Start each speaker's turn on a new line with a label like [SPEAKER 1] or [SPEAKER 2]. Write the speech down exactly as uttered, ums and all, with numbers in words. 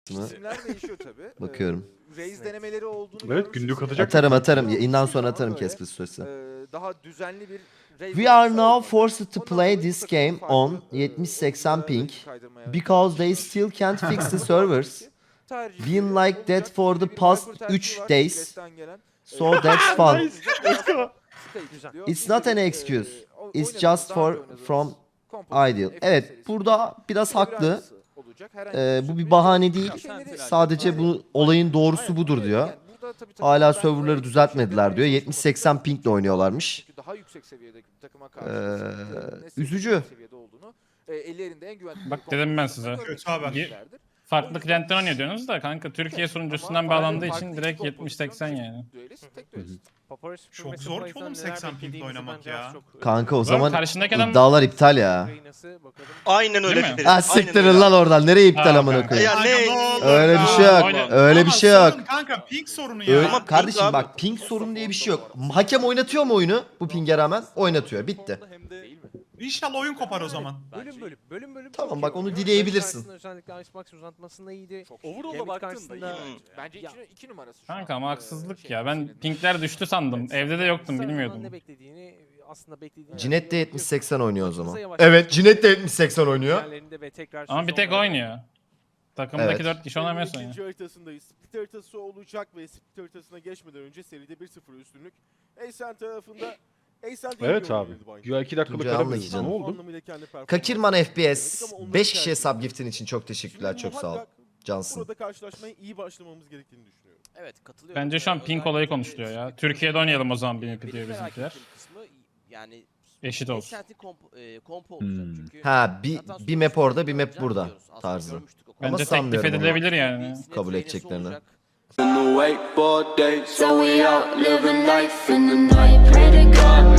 [SPEAKER 1] İsimler değişiyor tabii.
[SPEAKER 2] Bakıyorum.
[SPEAKER 1] Ee, Raze denemeleri olduğunu
[SPEAKER 3] Evet, günlük atacak.
[SPEAKER 2] Atarım atarım.
[SPEAKER 1] Ama
[SPEAKER 2] Yayından sonra
[SPEAKER 1] ama
[SPEAKER 2] atarım
[SPEAKER 1] böyle,
[SPEAKER 2] Casper süresi.
[SPEAKER 1] e, daha düzenli bir Raze
[SPEAKER 2] We are
[SPEAKER 1] oyuncusu
[SPEAKER 2] now
[SPEAKER 1] olmadı.
[SPEAKER 2] forced to
[SPEAKER 1] Ondan
[SPEAKER 2] play
[SPEAKER 1] dolayı
[SPEAKER 2] this
[SPEAKER 1] bu takımın
[SPEAKER 2] game
[SPEAKER 1] farklı,
[SPEAKER 2] on
[SPEAKER 1] e,
[SPEAKER 2] yetmiş seksen
[SPEAKER 1] oyunculara
[SPEAKER 2] ping
[SPEAKER 1] range kaydırmaya
[SPEAKER 2] because they still can't fix the servers.
[SPEAKER 1] tercihleri
[SPEAKER 2] Been like that
[SPEAKER 1] olacak.
[SPEAKER 2] for the
[SPEAKER 1] Bir Viper
[SPEAKER 2] past
[SPEAKER 1] tercihi
[SPEAKER 2] üç
[SPEAKER 1] var,
[SPEAKER 2] days.
[SPEAKER 1] Celeste'den gelen.
[SPEAKER 2] So that's fun.
[SPEAKER 3] Nice. Let's go.
[SPEAKER 2] It's not an excuse. It's just for from ideal. Evet, burada biraz haklı. Ee, bu bir bahane değil. Sadece bu olayın doğrusu budur diyor. Hala serverları düzeltmediler diyor. yetmiş seksen pingle oynuyorlarmış. Ee, üzücü.
[SPEAKER 4] Bak dedim ben size.
[SPEAKER 5] Kötü haber.
[SPEAKER 4] Ye- Farklı klientten oynuyor diyorsunuz da kanka Türkiye sunucusundan bağlandığı için direkt yetmiş seksen yani.
[SPEAKER 5] Çok zor ki oğlum seksen pingle oynamak ya.
[SPEAKER 2] Kanka o
[SPEAKER 4] Oğlum
[SPEAKER 2] zaman
[SPEAKER 4] karşındaki adam-
[SPEAKER 2] iddialar iptal ya.
[SPEAKER 6] Aynen öyle.
[SPEAKER 4] Değil mi?
[SPEAKER 6] Ferit,
[SPEAKER 2] Ha
[SPEAKER 6] aynen
[SPEAKER 2] siktirin
[SPEAKER 6] öyle.
[SPEAKER 2] lan oradan. Nereye iptal
[SPEAKER 4] Ha,
[SPEAKER 2] amına
[SPEAKER 4] kanka.
[SPEAKER 2] koyayım?
[SPEAKER 6] Ya ne?
[SPEAKER 2] Öyle bir şey yok.
[SPEAKER 4] Aynen.
[SPEAKER 2] Öyle bir
[SPEAKER 5] Ama
[SPEAKER 2] şey yok.
[SPEAKER 5] sorun Kanka ping sorunu ya.
[SPEAKER 2] Öyle,
[SPEAKER 6] Ama ping
[SPEAKER 2] kardeşim
[SPEAKER 6] abi.
[SPEAKER 2] bak ping sorun diye bir şey yok. Hakem oynatıyor mu oyunu? Bu pinge rağmen oynatıyor. Bitti.
[SPEAKER 5] İnşallah oyun kopar o zaman.
[SPEAKER 7] Bölüm bölüm bölüm bölüm.
[SPEAKER 2] Tamam,
[SPEAKER 7] çok
[SPEAKER 2] bak
[SPEAKER 7] iyi
[SPEAKER 2] onu
[SPEAKER 7] oynuyor.
[SPEAKER 2] dileyebilirsin.
[SPEAKER 7] Maç karşısında özellikle Icebox uzatmasında iyiydi.
[SPEAKER 1] Overall'a
[SPEAKER 7] Gambit
[SPEAKER 1] baktığında
[SPEAKER 7] karşısında-
[SPEAKER 1] iyi bence. Bence iki, iki numarası şu
[SPEAKER 4] Kanka
[SPEAKER 1] an.
[SPEAKER 4] ama
[SPEAKER 1] Ee,
[SPEAKER 4] haksızlık
[SPEAKER 1] şey,
[SPEAKER 4] ya. Ben
[SPEAKER 1] senin-
[SPEAKER 4] pinkler düştü sandım. Evde de yoktum
[SPEAKER 7] Sarı'nın
[SPEAKER 4] bilmiyordum.
[SPEAKER 7] Ne beklediğini aslında beklediğini.
[SPEAKER 2] Cinet de yetmiş seksen oynuyor o zaman.
[SPEAKER 7] Hızla yavaş-
[SPEAKER 2] Evet, Cinet de yetmiş seksen oynuyor.
[SPEAKER 7] Diğerlerinde ve tekrar
[SPEAKER 4] Ama bir tek
[SPEAKER 7] sezonlarda-
[SPEAKER 4] oynuyor. Takımdaki
[SPEAKER 2] Evet.
[SPEAKER 4] dört kişi oynamıyorsun ya.
[SPEAKER 8] İkinci haritasındayız. Split haritası olacak ve split haritasına geçmeden önce seride bir sıfır üstünlük. Aysen tarafında Aysen
[SPEAKER 3] Evet abi. Güya iki dakikalık
[SPEAKER 2] Tuncay
[SPEAKER 3] ara
[SPEAKER 2] anla
[SPEAKER 3] veririz.
[SPEAKER 2] ki
[SPEAKER 3] Ne
[SPEAKER 2] canım.
[SPEAKER 3] oldu?
[SPEAKER 2] Kakirman F P S. beş kişiye sub giftin için çok teşekkürler. Çok sağ ol. Cansın.
[SPEAKER 8] Burada karşılaşmaya iyi başlamamız gerektiğini düşünüyorum.
[SPEAKER 9] Evet katılıyorum.
[SPEAKER 4] Bence şu an pink olayı konuşuluyor ya. Türkiye'de oynayalım o zaman B M P diyor
[SPEAKER 9] Benim merak
[SPEAKER 4] bizimkiler.
[SPEAKER 9] ettiğim kısmı yani
[SPEAKER 4] Eşit olsun.
[SPEAKER 9] Ascent'in komp, e, kompo olacak
[SPEAKER 3] Hmm.
[SPEAKER 9] çünkü.
[SPEAKER 2] Ha bir,
[SPEAKER 9] zaten
[SPEAKER 2] bir map orada bir
[SPEAKER 9] sonuçta
[SPEAKER 2] map burada
[SPEAKER 9] biliyoruz. Aslında
[SPEAKER 2] tarzı.
[SPEAKER 9] görmüştük o
[SPEAKER 2] Ama
[SPEAKER 4] Bence teklif
[SPEAKER 2] sanmıyorum onu.
[SPEAKER 4] edilebilir yani.
[SPEAKER 9] Bir
[SPEAKER 2] Kabul
[SPEAKER 9] net
[SPEAKER 2] edeceklerini.
[SPEAKER 9] olacak.
[SPEAKER 10] in the wakeboard days. So we out living life in the night. Pray to God